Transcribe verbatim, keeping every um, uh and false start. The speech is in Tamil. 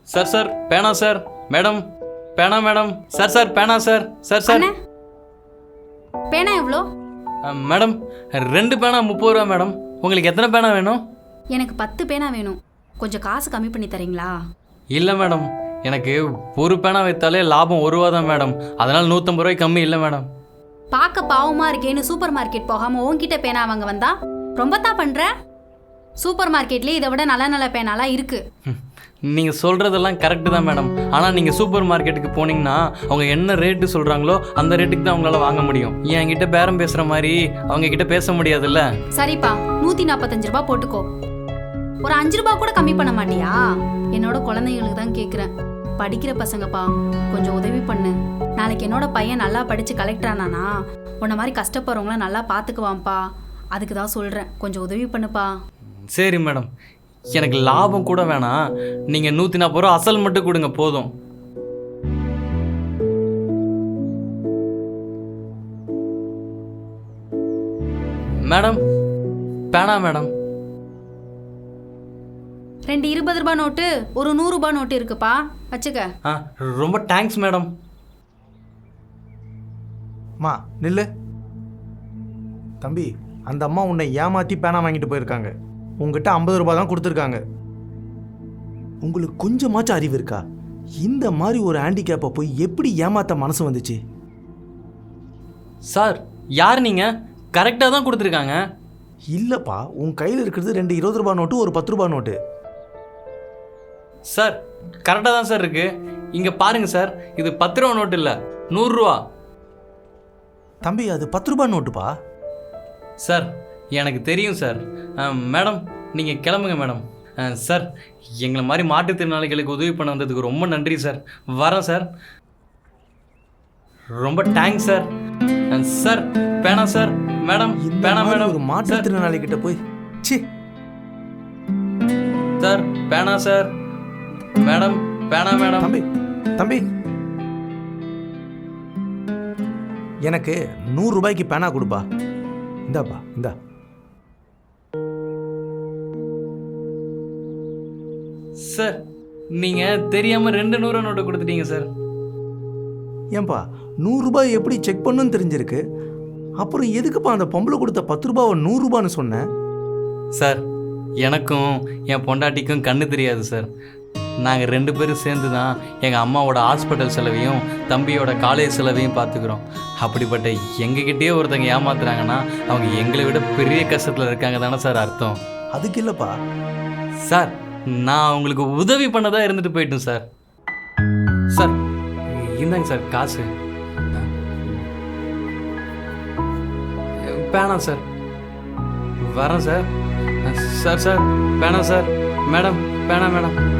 சார் சார் பேனா சார் மேடம் பேனா மேடம் சார் சார் பேனா சார் சார் சார் அண்ணே, பேனா எவ்வளோ? அஹ், மேடம் ரெண்டு பேனா முப்பது ரூபா மேடம். உங்களுக்கு எத்தனை பேனா வேணும்? எனக்கு பத்து பேனா வேணும். கொஞ்சம் காசு கம்மி பண்ணி தரீங்களா? இல்லை மேடம், எனக்கு ஒரு பேனா வைத்தாலே லாபம் ஒரு ரூபா தான் மேடம். அதனால் நூற்றம்பது ரூபாய்க்கு கம்மி இல்லை மேடம். பார்க்க பாவமா இருக்கேன்னு சூப்பர் மார்க்கெட் போகாம உன்கிட்ட பேனா வாங்க வந்தா ரொம்ப தான் பண்ற. சூப்பர் மார்க்கெட்லயே இதை விட நல்ல நல்ல பேனாலாம் இருக்கு. நீங்கள் சொல்கிறதெல்லாம் கரெக்டு தான் மேடம். ஆனால் நீங்கள் சூப்பர் மார்க்கெட்டுக்கு போனீங்கன்னா அவங்க என்ன ரேட்டு சொல்கிறாங்களோ அந்த ரேட்டுக்கு தான் அவங்களால வாங்க முடியும். என்கிட்ட பேரம் பேசுகிற மாதிரி அவங்க கிட்ட பேச முடியாதுல்ல. சரிப்பா, நூத்தி நாற்பத்தஞ்சு ரூபாய் போட்டுக்கோ. ஒரு அஞ்சு ரூபாய் கூட கம்மி பண்ண மாட்டியா? என்னோட குழந்தைங்களுக்கு தான் கேட்குறேன். படிக்கிற பசங்கப்பா, கொஞ்சம் உதவி பண்ணு. நாளைக்கு என்னோட பையன் நல்லா படித்து கலெக்டர் ஆனானா உன்ன மாதிரி கஷ்டப்படுறவங்கள நல்லா பார்த்துக்குவான்ப்பா. அதுக்கு தான் சொல்கிறேன், கொஞ்சம் உதவி பண்ணுப்பா. சரி மேடம், எனக்கு லாபம் கூட வேணாம். நீங்கள் நூற்றி நாற்பது ரூபா அசல் மட்டும் கொடுங்க போதும். மேடம் பேனா மேடம். ரெண்டு இருபது ரூபாய் நோட்டு, ஒரு நூறு ரூபாய் நோட்டு இருக்குப்பா, வச்சுக்க. ஆ ரொம்ப தேங்க்ஸ் மேடம். மா நில்லு. தம்பி, அந்த அம்மா உன்னை ஏமாற்றி பேனா வாங்கிட்டு போயிருக்காங்க. உங்ககிட்ட ஐம்பது ரூபாய் தான் கொடுத்துருக்காங்க. உங்களுக்கு கொஞ்சமாச்சும் அறிவு இருக்கா? இந்த மாதிரி ஒரு ஹேண்டிகேப்பை போய் எப்படி ஏமாத்த மனசு வந்துச்சு? சார் யார் நீங்கள்? கரெக்டாக தான் கொடுத்துருக்காங்க. இல்லைப்பா, உன் கையில் இருக்கிறது ரெண்டு இருபது ரூபாய் நோட்டு, ஒரு பத்து ரூபாய் நோட்டு. சார் கரெக்டாக தான் சார் இருக்குது. இங்கே பாருங்கள் சார், இது பத்து ரூபா நோட்டு இல்லை, நூறுரூவா. தம்பி, அது பத்து ரூபாய் நோட்டுப்பா. சார் எனக்கு தெரியும் சார். மேடம் நீங்கள் கிளம்புங்க மேடம். சார் எங்களை மாதிரி மாற்றுத்திறனாளிகளுக்கு உதவி பண்ண வந்ததுக்கு ரொம்ப நன்றி சார். வரேன் சார். ரொம்ப தேங்க்ஸ் சார். சார் பேனா சார். மேடம் இந்த பேனா மாதிரி மேடம். ஒரு மாற்றுத்திறனாளி கிட்ட போய் சி. சார் பேனா சார். மேடம் பேனா மேடம். தம்பி தம்பி எனக்கு நூறு ரூபாய்க்கு பேனா கொடுப்பா. இந்தாப்பா, இந்தா. சார் நீங்கள் தெரியாமல் ரெண்டு நூறு நோட்டு கொடுத்துட்டீங்க சார். ஏன்பா, நூறு ரூபாய் எப்படி செக் பண்ணுன்னு தெரிஞ்சிருக்கு, அப்புறம் எதுக்குப்பா அந்த பொம்பளை கொடுத்த பத்து ரூபாவை நூறு ரூபான்னு சொன்னேன்? சார் எனக்கும் என் பொண்டாட்டிக்கும் கண்ணு தெரியாது சார். நாங்கள் ரெண்டு பேரும் சேர்ந்து தான் எங்கள் அம்மாவோட ஹாஸ்பிட்டல் செலவையும் தம்பியோட காலேஜ் செலவையும் பார்த்துக்குறோம். அப்படிப்பட்ட எங்ககிட்டயே ஒருத்தங்க ஏமாத்துறாங்கன்னா அவங்க எங்களை விட பெரிய கஷ்டத்தில் இருக்காங்க தானே சார் அர்த்தம். அதுக்கு இல்லைப்பா. சார் நான் உங்களுக்கு உதவி பண்ணதாக இருந்துட்டு போயிட்டேன் சார். சார் இந்தாங்க சார் காசு. பேனா சார். வரேன் சார். சார் சார் பேனா சார். மேடம் பேனா மேடம்.